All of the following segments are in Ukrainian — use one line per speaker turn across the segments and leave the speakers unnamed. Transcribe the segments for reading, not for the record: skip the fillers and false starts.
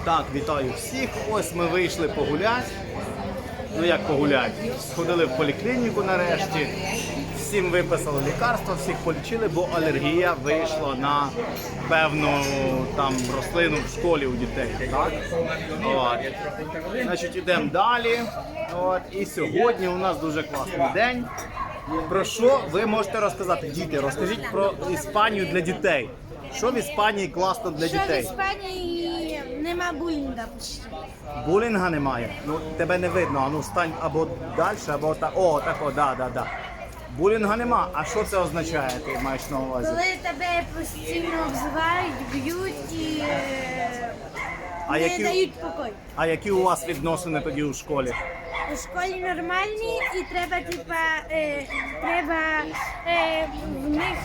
Так, вітаю всіх. Ось ми вийшли погуляти. Ну як погуляти? Сходили в поліклініку нарешті. Всім виписали лікарства, всіх полічили, бо алергія вийшла на певну там рослину в школі у дітей. Так? От. Значить, йдемо далі. От. І сьогодні у нас дуже класний день. Про що ви можете розказати? Діти, розкажіть про Іспанію для дітей. Що в Іспанії класно для
Що в
дітей?
Іспанії нема булінга почти.
Булінга немає. Ну тебе не видно. А ну стань або далі, або так. О, тако, да. Булінга нема. А що це означає? Ти маєш на увазі?
Коли тебе постійно обзивають, б'ють і не дають покой.
А які у вас відносини тоді у школі?
У школі нормальні і треба, в них,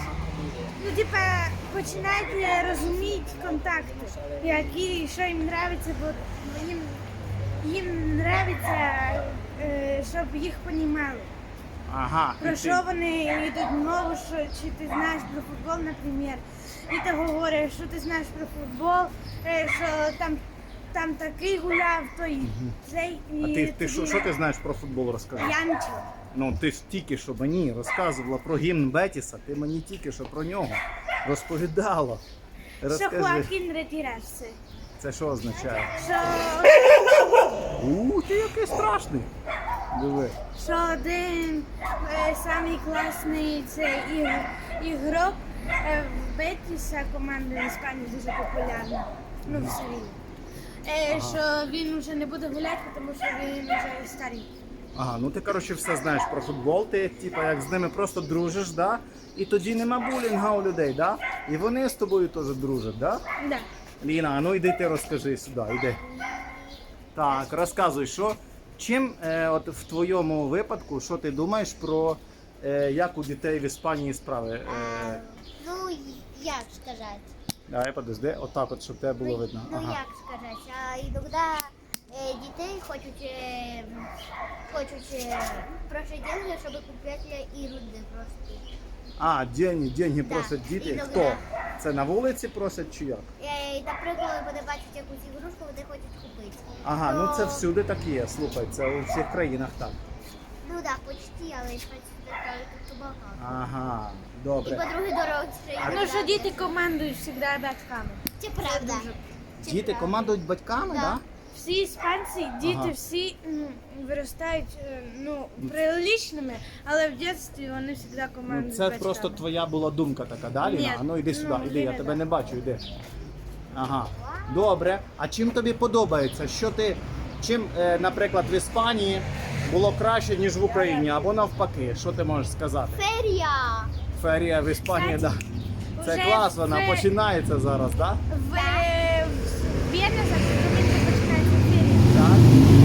починати розуміти контакти, які, що їм подобається, бо їм подобається, щоб їх розуміли.
Ага.
Про що вони йдуть мову, чи ти знаєш про футбол, наприклад, і ти говориш, що ти знаєш про футбол, що там такий гуляв, той цей.
А ти що ти знаєш про футбол, розкажи?
Я нічого.
Ну ти ж тільки що мені розказувала про гімн Бетіса, ти мені тільки що про нього розповідала.
Що Хоакін ретирався.
Це що означає?
Що
Ти який страшний. Диви.
один самий класний ігрок в Бетіса, команда в Іспанії дуже популярна. Ну, в Севілі. Що він вже не буде гуляти, тому що він вже старий.
Ага, ну ти, коротше, все знаєш про футбол, ти, типа, як з ними просто дружиш, да? І тоді нема булінга у людей, да? І вони з тобою теж дружать, да?
Да.
Ліна, а ну йди ти розкажи сюди, йди. Так, розказуй, чим, от в твоєму випадку, що ти думаєш про, як у дітей в Іспанії справи?
Ну, як сказати?
Давай, подожди, отак от, щоб тебе було видно.
Ну, як сказати, іноді дітей хочуть просить деньги, щоб купити ігрушки просто.
А, деньги
Да.
просять діти.
Іноді.
Хто? Це на вулиці просять чи як?
Наприклад, вони бачать якусь ігрушку, вони хочуть купити.
Ага, ну це
То-
всюди так є, слухай, це у всіх країнах так.
Ну так, почти, але тут багато.
Ага,
І
добре.
по-друге, дороги
Ну, що діти командують завжди батьками.
Це правда. Це
Діти
правда.
командують батьками,
Да.
так?
Всі іспанці, діти
Ага.
всі виростають приличними, але в дитинстві вони завжди
Ну,
командують
це
батьками.
просто твоя була думка така, да, Ліна?
Ні,
А ну йди сюди,
ну,
іди, я
Ліна,
тебе
да.
не бачу, йди. Ага, добре. А чим тобі подобається? Чим, наприклад, в Іспанії було краще, ніж в Україні, або навпаки, що ти можеш сказати?
Ферія.
Ферія в Іспанії, так.
Кстати,
Да. Це
вже
клас, вона починається зараз, так?
В Венезах Домінго починається фірія.
Так?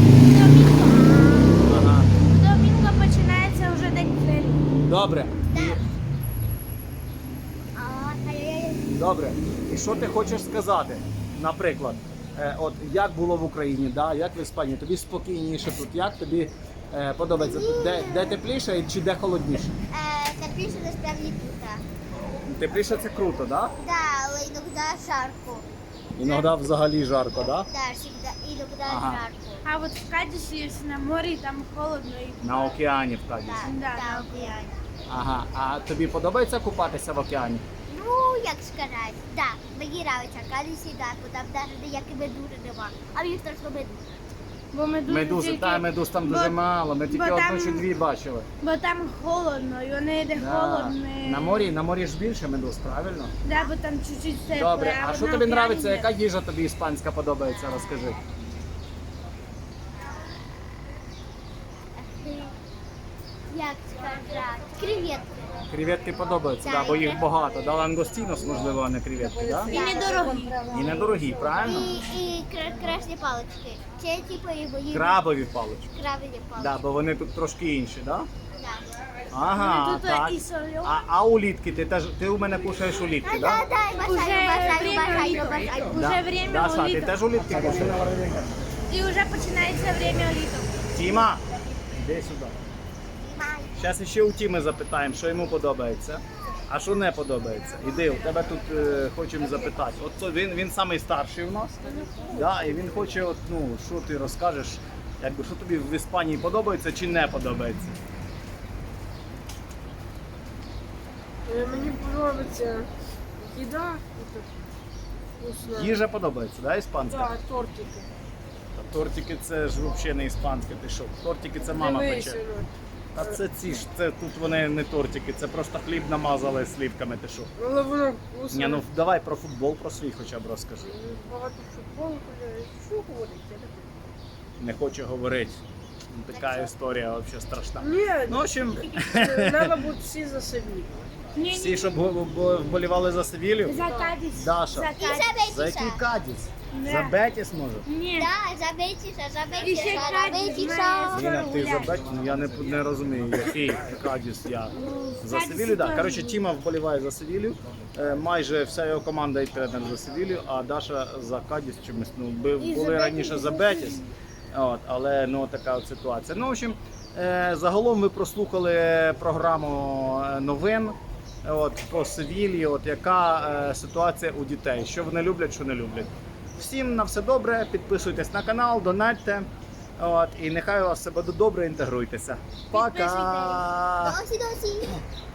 Ага.
Домінго починається вже день ферії.
Добре.
Ай-яй-яй.
Добре. І що ти хочеш сказати? Наприклад, от як було в Україні, да? Як в Іспанії? Тобі спокійніше тут, як тобі подобається? Де тепліше чи де холодніше?
Тепліше насправді тут.
Тепліше це круто, так? Да?
Да, але іноді жарко.
Іноді взагалі жарко, так? Да?
Да, всегда, іноді
Ага.
жарко.
А от в Кадісі на морі там холодно і
На океані в Кадісі.
Да,
на
на
океані.
Ага. А тобі подобається купатися в океані?
Ну, як сказати, да, мені подобається Кадісі, да, бо там навіть ніякої медузи нема. А мені страшно медузи.
бо
Медузи, медуз там дуже мало, ми тільки
бо
одну
там-
чи дві бачили.
Бо там холодно, і вони йде
Да.
холодно.
На морі ж більше медуз, правильно?
Да, бо там чуть-чуть тепло.
Добре, а
от
що
на
тобі
океані
подобається?
йде.
Яка їжа тобі іспанська подобається? Розкажи.
Як сказати, креветки.
Креветки подобаються, да, бо їх багато. Да, лангостінос, можливо, а не креветки, да?
І недорогі.
І недорогі, правильно?
І красні палички. Це типу його їх.
Крабові палички.
Крабові палички.
Да, бо вони тут трошки інші, да?
Да.
Ага,
Тут
так.
і сольо.
А улітки, ти у мене кушаєш улітки, да?
Уже
бажаю.
Уже время
Даша, ти
уліток.
теж улітки кушаєш?
І вже починається время уліток.
Тіма, іди сюди. Зараз ще у Тіми запитаємо, що йому подобається. А що не подобається? Іди, у тебе тут хочемо запитати. От він самий старший у нас. Да, і він хоче, от, ну, що ти розкажеш, якби, що тобі в Іспанії подобається чи не подобається?
Мені подобається їда. Вкусна.
Їжа подобається, да, іспанська?
Так, тортики.
Та тортики це ж взагалі не іспанське, ти що? Тортики це мама
Дивись,
пече.
воно.
А це ці ж, це тут вони не тортики, це просто хліб намазали слівками, ти що?
Але воно вкусне.
Ні, ну давай про футбол, про свій хоча б розкажи.
Багато футболу гуляють. Що говорить? Я не знаю.
Не хочу говорити. Ну, така історія взагалі страшна.
Ні,
Ну, в общем,
треба бути всі за Севілью.
всі, щоб вболівали за Севілью.
За Кадіс.
Даша.
За
І
Кадіс.
за
За який
Бетіса.
Кадіс?
Не.
За Бетіс може?
Ні.
Да, за Бетіса, за
І ще
Бетіса, за
Кадіс
Бетіса.
має.
Ліна, ти за
гуляти.
Бетіс? Ну я не розумію, який Кадіс я. За
Кадіс
Севілью, так.
теж.
Коротше, Тіма вболіває за Севілью. Майже вся його команда і тренер за Севілью, а Даша за Кадіс чомусь. Ну,
І
були
за
раніше
Бетіс,
за
і за
Бетіс. От, але ну така от ситуація. Ну, в общем, загалом ви прослухали програму новин от, по Севілії, от яка ситуація у дітей, що вони люблять, що не люблять. Всім на все добре, підписуйтесь на канал, донатьте. От, і нехай у вас все буде добре, інтегруйтеся. Пока!
Досі, досі.